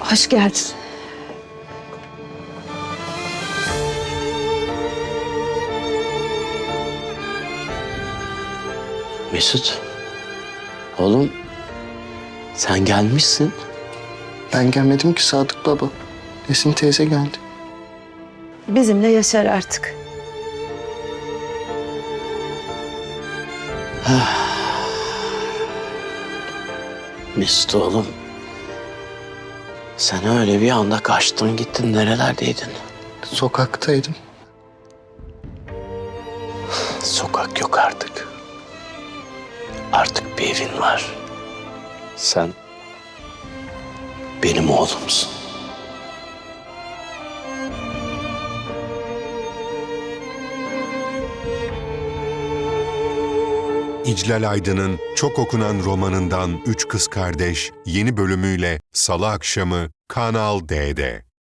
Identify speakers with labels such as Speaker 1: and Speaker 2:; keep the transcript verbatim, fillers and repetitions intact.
Speaker 1: Hoş geldin.
Speaker 2: Mesut, oğlum sen gelmişsin.
Speaker 3: Ben gelmedim ki Sadık baba. Esin teyze geldi.
Speaker 1: Bizimle yaşar artık.
Speaker 2: Mesut oğlum, sen öyle bir anda kaçtın gittin, nerelerdeydin?
Speaker 3: Sokaktaydım.
Speaker 2: Sokak yok artık. Artık bir evin var. Sen benim oğlumsun.
Speaker 4: İclal Aydın'ın çok okunan romanından Üç Kız Kardeş yeni bölümüyle Salı akşamı Kanal D'de.